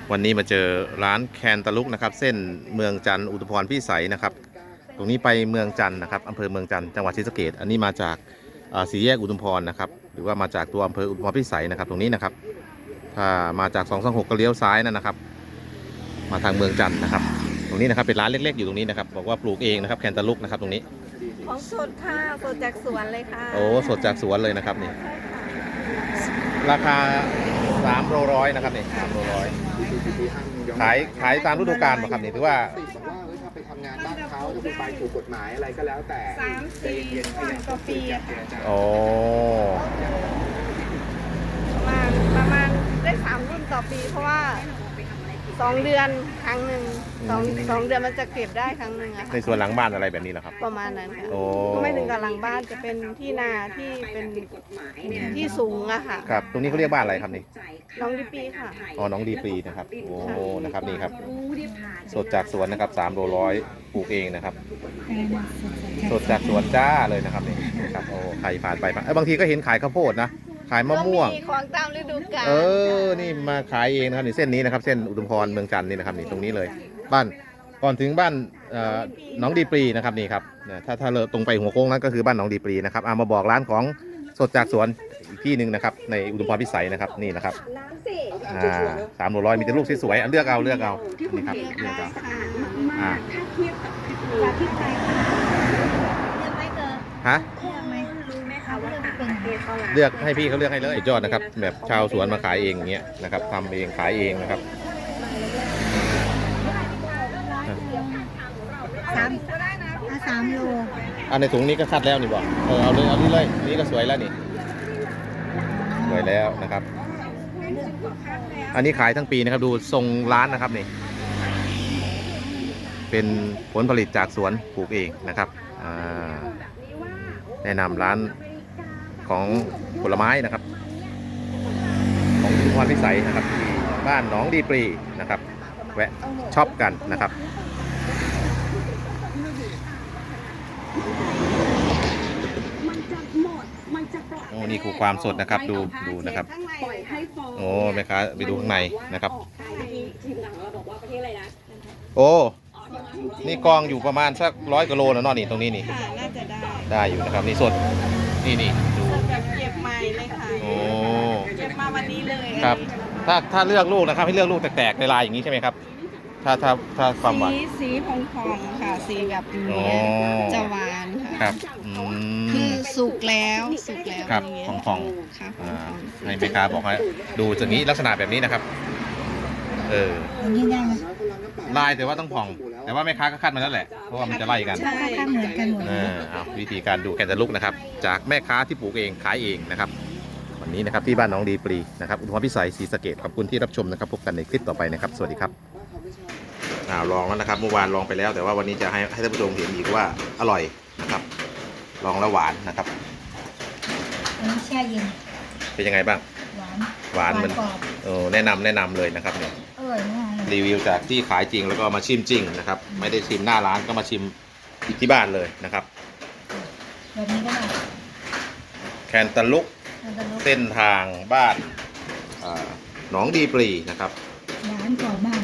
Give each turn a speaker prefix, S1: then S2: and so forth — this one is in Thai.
S1: วันนี้มาเจอร้านแคนตาลุกนะครับเส้นเมืองจันทร์อุทุมพรพิสัยนะครับตรงนี้ไปเมืองจันทร์นะครับอำเภอเมืองจันทร์จังหวัดศรีสะเกษอันนี้มาจากสี่แยกอุทุมพรนะครับหรือว่ามาจากตัวอำเภออุทุมพรพิสัยนะครับตรงนี้นะครับถ้ามาจาก226ก็เลี้ยวซ้ายนะครับมาทางเมืองจันทร์นะครับตรงนี้นะครับเป็นร้านเล็กๆอยู่ตรงนี้นะครับบอกว่าปลูกเองนะครับแคนตาลุกนะครับตรงนี้
S2: ของสดค่ะสดจากสวนเลยค่ะ
S1: โอ้สดจากสวนเลยนะครับนี่ราคา3 โลร้อยนะครับนี่3 โลร้อยขายตามฤดูกาลป่ะครับนี่ถือว่า
S3: ถ้าไปทำงานบ้านเขาถ้าคุณไปถูกกฎหมายอะไรก็แล้วแต่
S2: 3-4 วันต่อปีอะค่ะ
S1: โอ้
S2: ประมาณได้3 รุ่นต่อปีเพราะว่า2 เดือนครั้งหนึ่ง2 เดือนมันจะเก็บได้ครั้งหนึ่งอะค่ะ
S1: ในส่วนหลังบ้านอะไรแบบนี้เหรอครับ
S2: ประมาณนั้นค่ะ
S1: โอ้
S2: ก็ไม่ถึงกับหลังบ้านจะเป็นที่นาที่เป็นที่สูงอะค่ะ
S1: ครับตรงนี้เขาเรียกบ้านอะไรครับนี่
S2: น้องดิปีค่ะ
S1: อ๋อน้องดีปรีนะครับโอ้นะครับนี่ครับสดจากสวนนะครับ3 โลร้อยปลูกเองนะครับสดจากสวนจ้าเลยนะครับนี่ครับโอ้ใครผ่านไปบางทีก็เห็นขายข้าวโพดนะขายมะม่วง
S2: ของตามฤดูกาล
S1: นี่มาขายเองนะครับนี่เส้นนี้นะครับเส้นอุทุมพรเมืองจันทร์นี่นะครับนี่ตรงนี้เลยบ้านก่อนถึงบ้านน้องดีปรีนะครับนี่ครับถ้าเราตรงไปหัวโค้งนั้นก็คือบ้านน้องดีปรีนะครับมาบอกร้านของสดจากสวนอีกที่หนึ่งนะครับในอุทุมพรพิสัยนะครับนี่นะครับ3 โลร้อยมีแต่ลูกสวยๆเลือกเอานี่ครับเลือกเอาฮะเลือกให้พี่เขาเลือกให้เลยยอดนะครับแบบชาวสวนมาขายเองอย่างเงี้ยนะครับทำเองขายเองนะครับ
S4: 3 โล
S1: อันในถุงนี้ก็คัดแล้วนี่บอกเอานี่เลยนี่ก็สวยแล้วนี่สวยแล้วนะครับอันนี้ขายทั้งปีนะครับดูทรงร้านนะครับนี่เป็นผลผลิตจากสวนปลูกเองนะครับแนะนำร้านของผลไม้นะครับของอุทุมพรพิสัยนะครับที่บ้านหนองดีปรีนะครับแวะช็อปกันนะครับโอ้นี่คือความสดนะครับดูนะครับโอ้แม่ค้าไปดูข้างในนะครับโอ้นี่กองอยู่ประมาณสัก100 กิโลนะเนาะนี่ตรงนี้นี่
S2: น่าจะ
S1: ได้อยู่นะครับนี่สดนี่ดู
S2: แบบเก็บใหม่เลยค่ะ
S1: โอ้
S2: เก็บมาวันนี้เลย
S1: ครับถ้าเลือกลูกนะครับให้เลือกลูกแตกๆในลายอย่างนี้ใช่ไหมครับถ้าความหวาน
S2: สีพองๆค่ะสีแบบนี้จะหวานค่ะ
S1: ครับ
S2: คือสุกแล้ว
S1: ครับพองให้แม่ค้าบอกให้ดูจากนี้ลักษณะแบบนี้นะครับ
S4: อย่างนี้ได้ไหม
S1: ลายแต่ว่าต้องผ่องแต่ว่าแม่ค้าก็คัดมาแล้วแหละเพราะว่ามันจะไล่กัน
S4: ใช่เหมือนกันหมด
S1: วิธีการดูแคนตาลุกนะครับจากแม่ค้าที่ปลูกเองขายเองนะครับวันนี้นะครับที่บ้านน้องดีปรีนะครับอุทุมพรพิสัยศรีสะเกษขอบคุณที่รับชมนะครับพบกันในคลิปต่อไปนะครับสวัสดีครับลองแล้วนะครับเมื่อวานลองไปแล้วแต่ว่าวันนี้จะให้ท่านผู้ชมเห็นอีกว่าอร่อยนะครับลองแล้วหวานนะครับ
S4: อันนี้แช่เย็น
S1: เป็นยังไงบ้างหวานมันแนะนำเลยนะครับเนี่ยรีวิวจากที่ขายจริงแล้วก็มาชิมจริงนะครับไม่ได้ชิมหน้าร้านก็มาชิมที่บ้านเลยนะครับ
S4: แบบนี้ก็ได้
S1: แคนตาลุกเส้นทางบ้านหนองดีปรีนะครับ
S4: ร้านกรอบมาก